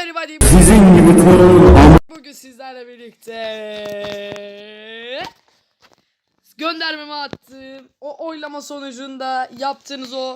everybody. Sizin gibi torun. Bugün sizlerle birlikte göndermemi attığım o oylama sonucunda yaptığınız o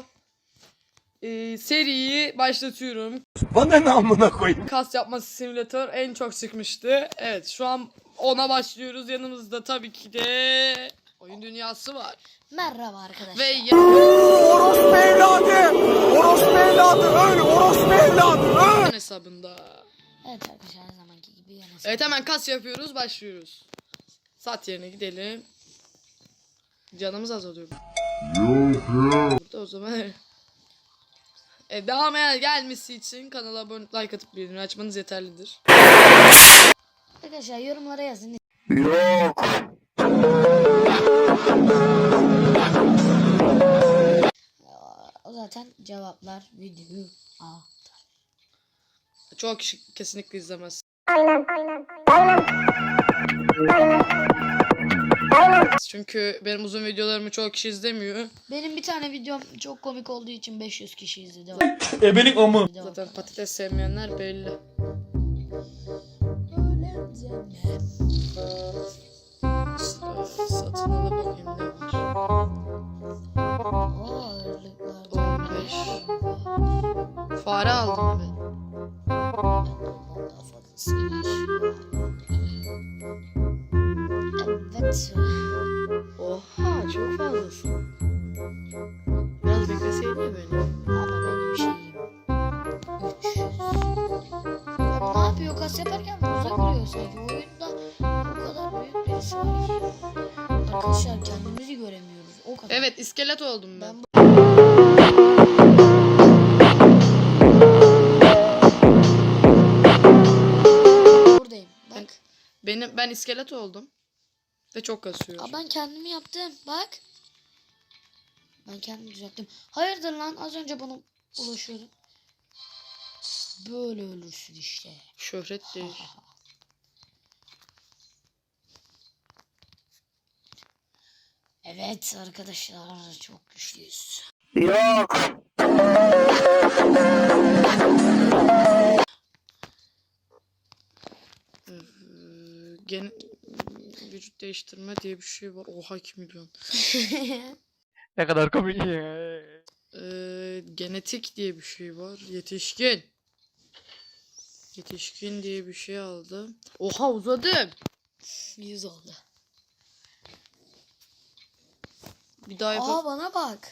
seriyi başlatıyorum. Bana ne amına koyayım? Kas yapması simülatör en çok çıkmıştı. Evet, şu an ona başlıyoruz. Yanımızda tabii ki de oyun dünyası var. Merhaba arkadaşlar. Ve Orospu evladı! Orospu evladı! Öl! Orospu evladı! Öl! hesabında. Evet arkadaşlar, her zamanki gibi yine. Evet, hemen kas yapıyoruz, başlıyoruz. Saat yerine gidelim. Canımız azalıyor. Burada o zaman devam gelmesi için kanala abone, like atıp bildirim açmanız yeterlidir. Arkadaşlar yorumlara yazın. Yok. O zaten cevaplar video. Çok kişi kesinlikle izlemez. Çünkü benim uzun videolarımı çok kişi izlemiyor. Benim bir tane videom çok komik olduğu için 500 kişi izledi. Ebelik amı. Zaten patates sevmeyenler belli. Satın ala bakayım ne var. Oo, ağırlıklar. 15. Fare aldım ben. Daha fazlasıymış. Evet. Oha, çok fazlasın. Biraz bekleseydin ya beni. Ama benim şeyim 300. Abi ne yapıyor? Kas yaparken buza giriyor sanki. Oyunda o kadar büyük birisi var ki. Arkadaşlar kendimizi göremiyoruz. O kadar. Evet, iskelet oldum ben. Buradayım. Bak. Ben iskelet oldum. Ve çok kasıyor. Aa, ben kendimi yaptım. Bak. Ben kendimi düzelttim. Hayırdır lan? Az önce bana ulaşıyordum. Böyle ölürsün işte. Şöhret değil. Evet arkadaşlar, çok güçlüyüz. Yok. Vücut değiştirme diye bir şey var. Oha, 2 milyon. Ne kadar komik. Genetik diye bir şey var. Yetişkin. Yetişkin diye bir şey aldım. Oha, uzadım. 100 oldu. Bir daha yapalım. Aa, bana bak.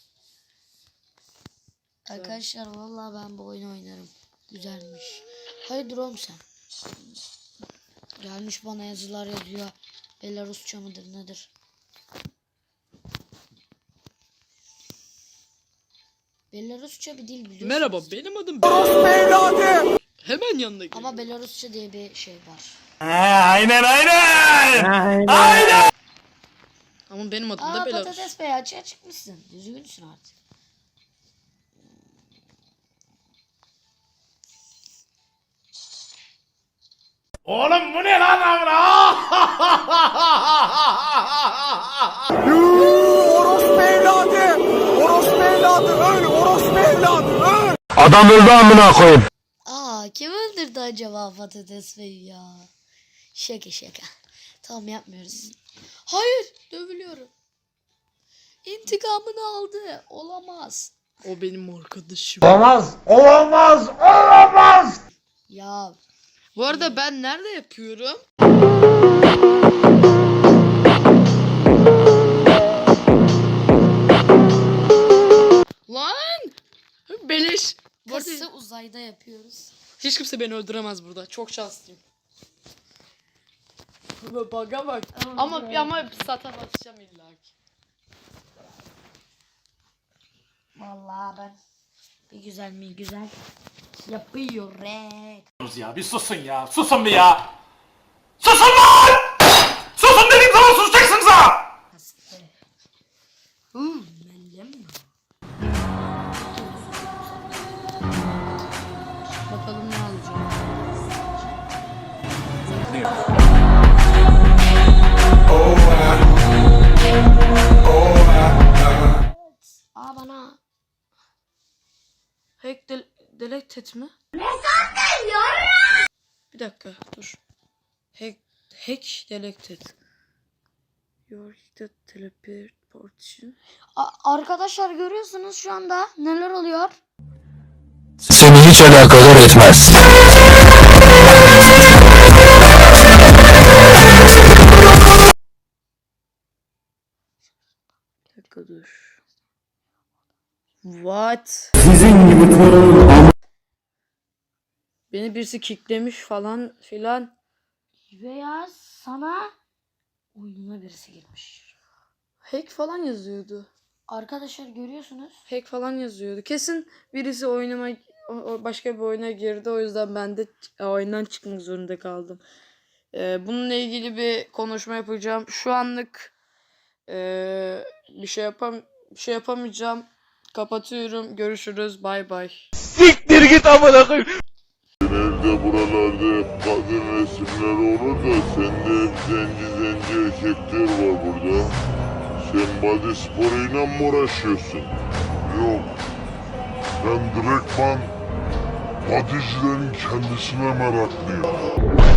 Arkadaşlar vallahi ben bu oyunu oynarım. Güzelmiş. Hayırdır oğlum sen? Gelmiş bana yazılar yazıyor. Belarusça mıdır nedir? Belarusça bir dil biliyorsunuz. Merhaba, benim adım Orospu evladı! Hemen yanına gel. Ama Belarusça diye bir şey var. Aynen aynen! Aynen! Ama benim adım da Aa, Belarus. patates bey, açığa çıkmışsın. Düzgünsün artık. Oğlum bu ne lan amına? Orospu evladı! Orospu evladı! Öl! Orospu evladı! Öl! Adam öldü amına koyayım. Aa, kim öldürdü acaba patates beyi ya? Şaka şaka. Tamam, yapmıyoruz. Hayır, dövülüyorum. İntikamını aldı. Olamaz. O benim arkadaşım. Olamaz! Olamaz! Olamaz! Ya Bu arada ben nerede yapıyorum? Lan! Beleş. Bu arada kası uzayda yapıyoruz. hiç kimse beni öldüremez burada. Çok şanslıyım. Baga bak. Ama sata basacağım illa ki. Vallahi ben bir güzel mi güzel yapıyor Ya bir susun ya. Susun bir ya. Susun lan! Susun dediğim zaman susacaksınız ha! Bakalım ne alacağım. Aa, bana Hack delete et mi? Ne sandın? Bir dakika dur. Hack delected. Your teleport portion. Arkadaşlar görüyorsunuz şu anda neler oluyor? Seni hiç alakadar etmez. Bir dakika dur. What? Sizin gibi torun. Beni birisi kicklemiş falan filan. Veya sana oyununa birisi girmiş. Hack falan yazıyordu. Arkadaşlar görüyorsunuz. Hack falan yazıyordu. Kesin birisi oyunuma başka bir oyuna girdi. O yüzden ben de oyundan çıkmak zorunda kaldım. Bununla ilgili bir konuşma yapacağım. Şu anlık bir şey yapamayacağım. Kapatıyorum. Görüşürüz. Bay bay. Siktir git amına koyayım. Genelde buralarda hep kadın resimleri olur da sende hep zenci erkekler var burada. Sen body sporuyla mı uğraşıyorsun? Yok. Ben direktman bodycilerin kendisine meraklıyım.